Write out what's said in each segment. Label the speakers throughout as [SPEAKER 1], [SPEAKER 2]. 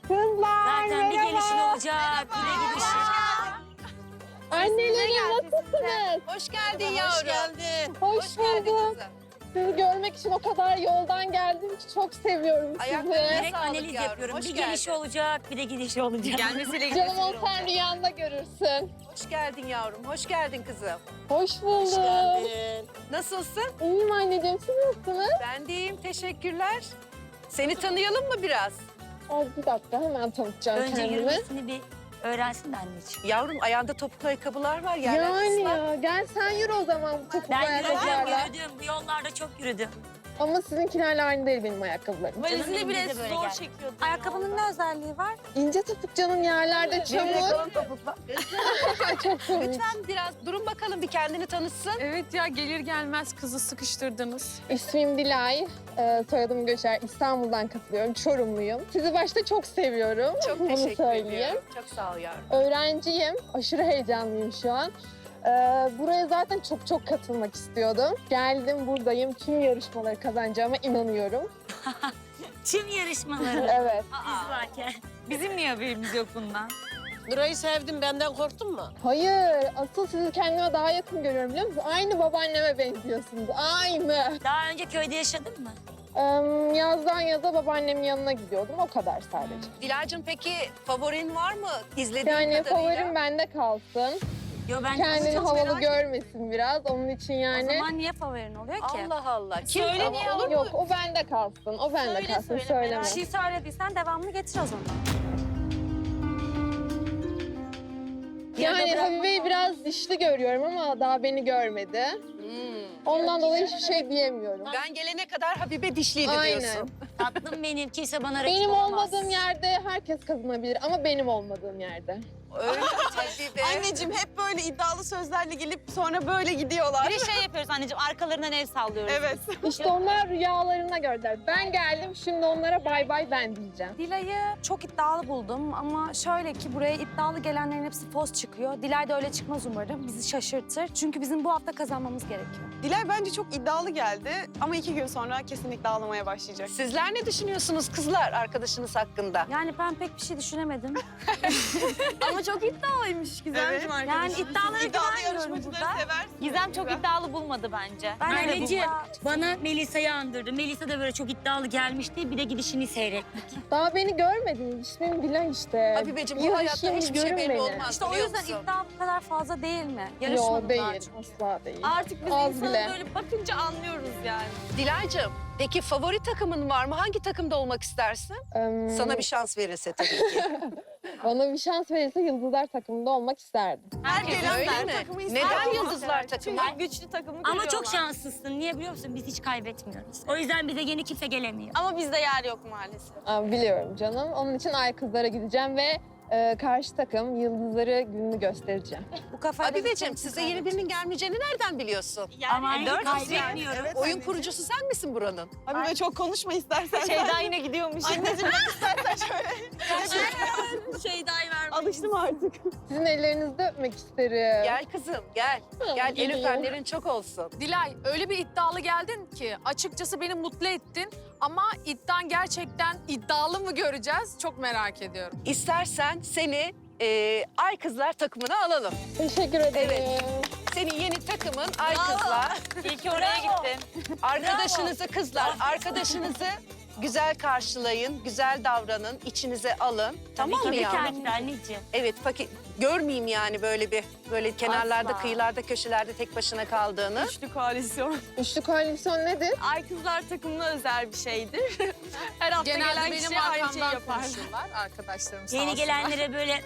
[SPEAKER 1] Kızlar
[SPEAKER 2] Zaten bir gelişin
[SPEAKER 1] merhaba.
[SPEAKER 2] olacak, bir de gidişin.
[SPEAKER 1] Annelerim nasılsınız?
[SPEAKER 3] Hoş geldin yavrum. Hoş geldin.
[SPEAKER 1] Hoş
[SPEAKER 3] geldin
[SPEAKER 1] buldum.
[SPEAKER 3] kızım.
[SPEAKER 1] Sizi görmek için o kadar yoldan geldim ki çok seviyorum sizi.
[SPEAKER 3] Ayaklarına
[SPEAKER 2] Direkt
[SPEAKER 3] sağlık
[SPEAKER 2] analiz
[SPEAKER 3] yavrum,
[SPEAKER 2] yapıyorum.
[SPEAKER 3] hoş
[SPEAKER 2] Bir
[SPEAKER 3] geldin.
[SPEAKER 2] gelişi olacak, bir de gidişi olacak.
[SPEAKER 3] Gelmesiyle
[SPEAKER 1] Canım ol sen rüyanda görürsün.
[SPEAKER 3] Hoş geldin yavrum. Hoş geldin kızım.
[SPEAKER 1] Hoş buldum.
[SPEAKER 3] Nasılsın?
[SPEAKER 1] İyiyim anneciğim, siz nasılsınız?
[SPEAKER 3] Ben de iyiyim. Teşekkürler. Seni tanıyalım mı biraz?
[SPEAKER 1] Ay, bir dakika hemen tanıtacağım
[SPEAKER 2] Önce
[SPEAKER 1] kendimi.
[SPEAKER 2] yürümesini bir öğrensin de anneciğim.
[SPEAKER 3] Yavrum ayağında topuklu ayakkabılar var. Yerler
[SPEAKER 1] Yani
[SPEAKER 3] ıslak.
[SPEAKER 1] ya gel sen yürü o zaman bu topuklu
[SPEAKER 2] Ben yürüdüm,
[SPEAKER 1] ayakkabılarla.
[SPEAKER 2] yürüdüm. Bu yollarda çok yürüdüm.
[SPEAKER 1] Ama sizinkilerle aynı değil benim ayakkabılarım.
[SPEAKER 2] Canım
[SPEAKER 4] Valizini
[SPEAKER 2] benim,
[SPEAKER 4] bile
[SPEAKER 2] biz de böyle
[SPEAKER 4] zor
[SPEAKER 2] geldik.
[SPEAKER 4] çekiyordu.
[SPEAKER 5] Ayakkabının ne özelliği var?
[SPEAKER 1] İnce topuk canım yerlerde çamur. Çok komik.
[SPEAKER 3] Lütfen biraz durun bakalım bir kendini tanıtsın.
[SPEAKER 4] Evet ya gelir gelmez kızı sıkıştırdınız.
[SPEAKER 1] İsmim Dilay, soyadım Göçer. İstanbul'dan katılıyorum, Çorumluyum. Sizi başta çok seviyorum.
[SPEAKER 3] Çok
[SPEAKER 1] Bunu
[SPEAKER 3] teşekkür
[SPEAKER 1] söyleyeyim.
[SPEAKER 3] ediyorum. Çok sağ ol yavrum.
[SPEAKER 1] Öğrenciyim, aşırı heyecanlıyım şu an. Buraya zaten çok katılmak istiyordum. Geldim, buradayım. Tüm yarışmaları kazanacağıma inanıyorum.
[SPEAKER 2] Tüm yarışmaları.
[SPEAKER 1] Evet.
[SPEAKER 2] Biz varken.
[SPEAKER 5] Bizim niye haberimiz yok bundan?
[SPEAKER 6] Nuray'ı sevdim, benden korktun mu?
[SPEAKER 1] Hayır, asıl sizi kendime daha yakın görüyorum biliyor musunuz? Aynı babaanneme benziyorsunuz, aynı.
[SPEAKER 2] Daha önce köyde yaşadın mı?
[SPEAKER 1] Yazdan yaza babaannemin yanına gidiyordum, o kadar sadece.
[SPEAKER 3] Dilara'cığım peki favorin var mı? İzlediğin
[SPEAKER 1] Yani
[SPEAKER 3] kadarıyla.
[SPEAKER 1] favorim bende kalsın.
[SPEAKER 2] Yo ben
[SPEAKER 1] Kendini
[SPEAKER 2] çok
[SPEAKER 1] havalı
[SPEAKER 2] merak
[SPEAKER 1] görmesin biraz, onun için
[SPEAKER 5] O
[SPEAKER 1] yani.
[SPEAKER 5] zaman niye favorin oluyor ki?
[SPEAKER 3] Allah Allah. Kim?
[SPEAKER 5] Söyle
[SPEAKER 3] Ama
[SPEAKER 5] niye
[SPEAKER 3] olur mu?
[SPEAKER 1] Yok, o bende kalsın, o bende kalsın, söyleme.
[SPEAKER 5] Bir şey söylediysen devamını getir o zaman.
[SPEAKER 1] Yani Habibe'yi biraz dişli görüyorum ama daha beni görmedi. Ondan dolayı hiçbir şey diyemiyorum.
[SPEAKER 3] Ben gelene kadar Habibe dişliydi
[SPEAKER 1] Aynen.
[SPEAKER 3] diyorsun.
[SPEAKER 2] Tatlım benim. Kimse bana rakip
[SPEAKER 1] Benim
[SPEAKER 2] olmaz.
[SPEAKER 1] olmadığım yerde herkes kazanabilir ama benim olmadığım yerde.
[SPEAKER 3] Öyle mi Habibe?
[SPEAKER 4] Anneciğim hep böyle iddialı sözlerle gelip sonra böyle gidiyorlar.
[SPEAKER 5] Bir de şey yapıyoruz anneciğim, arkalarından el sallıyoruz.
[SPEAKER 4] Evet.
[SPEAKER 1] İşte onlar rüyalarına gördüler. Ben geldim, şimdi onlara bay bay ben diyeceğim.
[SPEAKER 5] Dilay'ı çok iddialı buldum ama şöyle ki buraya iddialı gelenlerin hepsi poz çıkıyor. Dilay da öyle çıkmaz umarım. Bizi şaşırtır. Çünkü bizim bu hafta kazanmamız gerekiyor.
[SPEAKER 4] Dilay bence çok iddialı geldi ama 2 gün sonra kesinlikle ağlamaya başlayacak.
[SPEAKER 3] Sizler ne düşünüyorsunuz kızlar arkadaşınız hakkında?
[SPEAKER 5] Yani ben pek bir şey düşünemedim.
[SPEAKER 4] Ama çok iddialıymış Gizemciğim
[SPEAKER 5] Yani
[SPEAKER 4] arkadaşım.
[SPEAKER 5] iddialara
[SPEAKER 4] İddialı
[SPEAKER 5] güvenmiyorum
[SPEAKER 4] yarışmacıları
[SPEAKER 5] burada.
[SPEAKER 4] seversiniz.
[SPEAKER 5] Gizem çok iddialı bulmadı bence. Ben öyle
[SPEAKER 2] Anneciğim
[SPEAKER 5] bulmadım.
[SPEAKER 2] bana Melisa'yı andırdı. Melisa da böyle çok iddialı gelmişti. Bir de gidişini seyrettik.
[SPEAKER 1] Daha beni görmediniz. İsmim Bilal işte.
[SPEAKER 3] Habibeciğim
[SPEAKER 1] Bir
[SPEAKER 3] bu hayatta
[SPEAKER 1] yaşayın,
[SPEAKER 3] hiçbir şey
[SPEAKER 1] görün
[SPEAKER 3] belli
[SPEAKER 1] beni.
[SPEAKER 3] olmaz.
[SPEAKER 5] İşte o
[SPEAKER 3] biliyor
[SPEAKER 5] yüzden
[SPEAKER 3] musun?
[SPEAKER 5] iddia bu kadar fazla değil mi?
[SPEAKER 1] Yok
[SPEAKER 5] Yarışmadılar
[SPEAKER 1] değil,
[SPEAKER 5] çünkü.
[SPEAKER 1] asla değil.
[SPEAKER 4] Artık biz
[SPEAKER 1] Az
[SPEAKER 4] insanı
[SPEAKER 1] bile.
[SPEAKER 4] böyle bakınca anlıyoruz yani.
[SPEAKER 3] Dilay'cığım peki favori takımın var mı? Hangi takımda olmak istersin? Sana bir şans verirse tabii ki.
[SPEAKER 1] Bana bir şans verirse Yıldızlar takımında olmak isterdim.
[SPEAKER 4] Herkes
[SPEAKER 3] Öyle mi? Neden Yıldızlar takımı?
[SPEAKER 4] Çünkü güçlü takımı
[SPEAKER 2] Ama
[SPEAKER 4] görüyorlar.
[SPEAKER 2] çok şanslısın. Niye biliyor musun? Biz hiç kaybetmiyoruz. O yüzden bize yeni kimse gelemiyor.
[SPEAKER 4] Ama bizde yer yok maalesef.
[SPEAKER 1] Biliyorum canım. Onun için Ay Kızlar'a gideceğim ve karşı takım Yıldızları gününü göstereceğim.
[SPEAKER 5] Bu kafayla
[SPEAKER 3] Habibeciğim size yeni birinin gelmeyeceğini nereden biliyorsun?
[SPEAKER 2] Ama
[SPEAKER 5] dört
[SPEAKER 2] kaybetmiyorum.
[SPEAKER 3] Oyun kurucusu sen misin buranın?
[SPEAKER 4] Habibe çok konuşma istersen.
[SPEAKER 5] Şeyda yine gidiyormuş.
[SPEAKER 4] Anneciğim ben istersen şöyle. Şeyda'yı vermeyiz. Alıştım artık.
[SPEAKER 1] Sizin ellerinizde öpmek isterim.
[SPEAKER 3] Gel kızım gel. Gel el
[SPEAKER 1] geliyorum.
[SPEAKER 3] öpenlerin çok olsun.
[SPEAKER 7] Dilay öyle bir iddialı geldin ki açıkçası beni mutlu ettin ama iddian gerçekten iddialı mı göreceğiz çok merak ediyorum.
[SPEAKER 3] İstersen seni Ay Kızlar takımına alalım.
[SPEAKER 1] Teşekkür ederim.
[SPEAKER 3] Evet. Senin yeni takımın Ay Kızlar.
[SPEAKER 5] İyi ki oraya gittin.
[SPEAKER 3] Arkadaşınızı kızlar, arkadaşınızı güzel karşılayın, güzel davranın, içinize alın. Tamam mı
[SPEAKER 2] Tabii
[SPEAKER 3] yavrum?
[SPEAKER 2] ki anneciğim.
[SPEAKER 3] Evet, görmeyeyim yani böyle kenarlarda,
[SPEAKER 5] Asla.
[SPEAKER 3] kıyılarda, köşelerde tek başına kaldığını.
[SPEAKER 4] Üçlü koalisyon.
[SPEAKER 1] Üçlü koalisyon nedir?
[SPEAKER 4] Ay kızlar takımına özel bir şeydir. Her hafta
[SPEAKER 7] Genelde
[SPEAKER 4] gelen
[SPEAKER 7] benim
[SPEAKER 4] kişi aynı şeyi
[SPEAKER 7] arkamdan
[SPEAKER 4] yapar.
[SPEAKER 7] konuşuyorlar arkadaşlarım sağ
[SPEAKER 2] Yeni
[SPEAKER 7] olsunlar.
[SPEAKER 2] gelenlere böyle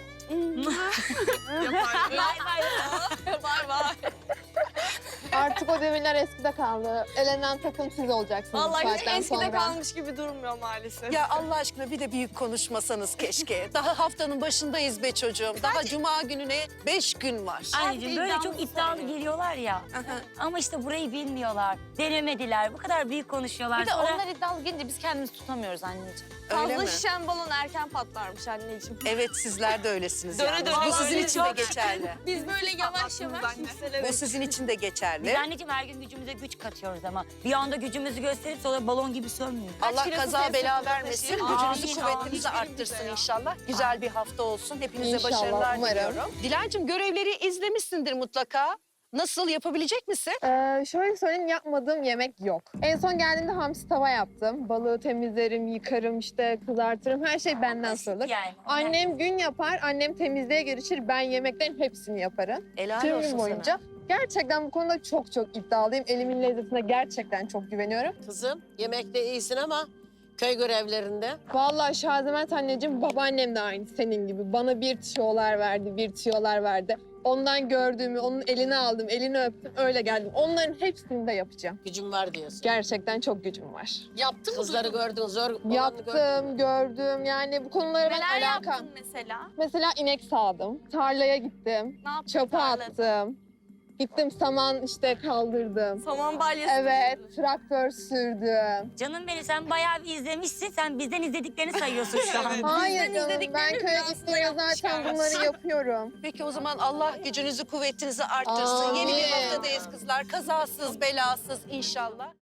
[SPEAKER 4] Vay vay.
[SPEAKER 1] Artık o devirler eskide kaldı. Elenen takım siz olacaksınız bu
[SPEAKER 4] Vallahi hiç
[SPEAKER 1] saatten
[SPEAKER 4] eskide
[SPEAKER 1] sonra.
[SPEAKER 4] kalmış gibi durmuyor maalesef.
[SPEAKER 3] Ya Allah aşkına bir de büyük konuşmasanız keşke. Daha haftanın başındayız be çocuğum. Daha cuma gününe 5 gün var.
[SPEAKER 2] anneciğim böyle çok iddialı geliyorlar ya.
[SPEAKER 3] Aha.
[SPEAKER 2] Ama işte burayı bilmiyorlar. Denemediler. Bu kadar büyük konuşuyorlar.
[SPEAKER 5] Bir de
[SPEAKER 2] Sonra
[SPEAKER 5] onlar iddialı gelince biz kendimizi tutamıyoruz anneciğim.
[SPEAKER 3] Öyle
[SPEAKER 4] Fazla
[SPEAKER 3] mi?
[SPEAKER 4] şişen balon erken patlarmış anneciğim.
[SPEAKER 3] Evet sizler de öylesiniz
[SPEAKER 4] Döne
[SPEAKER 3] yalnız.
[SPEAKER 4] döne
[SPEAKER 3] Bu sizin
[SPEAKER 4] öyle
[SPEAKER 3] için de
[SPEAKER 4] çok.
[SPEAKER 3] geçerli.
[SPEAKER 4] Biz böyle yavaş yavaş
[SPEAKER 3] Bu sizin için de geçerli. değerli.
[SPEAKER 2] Biz anneciğim her gün gücümüze güç katıyoruz ama bir anda gücümüzü gösterip sonra balon gibi sönmüyor.
[SPEAKER 3] Allah
[SPEAKER 4] kilosu
[SPEAKER 3] kaza
[SPEAKER 4] temsil
[SPEAKER 3] bela
[SPEAKER 4] ediyor
[SPEAKER 3] vermesin.
[SPEAKER 4] taşıyın?
[SPEAKER 3] Gücünüzü,
[SPEAKER 2] Amin,
[SPEAKER 3] kuvvetinizi
[SPEAKER 4] amin.
[SPEAKER 3] arttırsın inşallah. Güzel bir hafta olsun. Hepinize
[SPEAKER 1] İnşallah,
[SPEAKER 3] başarılar
[SPEAKER 1] umarım.
[SPEAKER 3] diliyorum. Dilancığım görevleri izlemişsindir mutlaka. Nasıl, yapabilecek misin?
[SPEAKER 1] Şöyle söyleyeyim, yapmadığım yemek yok. En son geldiğimde hamsi tava yaptım. Balığı temizlerim, yıkarım, işte kızartırım. Her şey benden sorulur.
[SPEAKER 2] Yani.
[SPEAKER 1] Annem gün yapar, annem temizliğe girişir. Ben yemeklerin hepsini yaparım.
[SPEAKER 3] Helal
[SPEAKER 1] Tüm
[SPEAKER 3] olsun
[SPEAKER 1] gün boyunca.
[SPEAKER 3] sana.
[SPEAKER 1] Gerçekten bu konuda çok çok iddialıyım. Elimin lezzetine gerçekten çok güveniyorum.
[SPEAKER 6] Kızım yemekte iyisin ama köy görevlerinde.
[SPEAKER 1] Vallahi Şazimet anneciğim, babaannem de aynı senin gibi. Bana bir tüyolar verdi, bir tüyolar verdi. Ondan gördüğümü, onun elini aldım, elini öptüm, öyle geldim. Onların hepsini de yapacağım.
[SPEAKER 6] Gücüm var diyorsun.
[SPEAKER 1] Gerçekten çok gücüm var.
[SPEAKER 6] Yaptın Kızları gördün, zor olanı gördün.
[SPEAKER 1] Yaptım, gördüm. Yani bu konulara ben
[SPEAKER 4] Neler
[SPEAKER 1] alakam.
[SPEAKER 4] yaptın mesela?
[SPEAKER 1] Mesela inek sağdım, tarlaya gittim,
[SPEAKER 4] Ne yaptın?
[SPEAKER 1] çöpe
[SPEAKER 4] tarlada?
[SPEAKER 1] attım. Gittim saman işte kaldırdım.
[SPEAKER 4] Saman balyası.
[SPEAKER 1] Evet, traktör sürdüm.
[SPEAKER 2] Canım benim sen bayağı bir izlemişsin. Sen bizden izlediklerini sayıyorsun şu an.
[SPEAKER 1] Hayır canım, ben
[SPEAKER 4] izlediklerini
[SPEAKER 1] köye
[SPEAKER 4] biraz da
[SPEAKER 1] gittiğimde zaten
[SPEAKER 4] yapmış
[SPEAKER 1] bunları yapıyorum.
[SPEAKER 3] Peki o zaman Allah gücünüzü, kuvvetinizi arttırsın. Yeni bir
[SPEAKER 1] Amin.
[SPEAKER 3] haftadayız kızlar. Kazasız, belasız inşallah.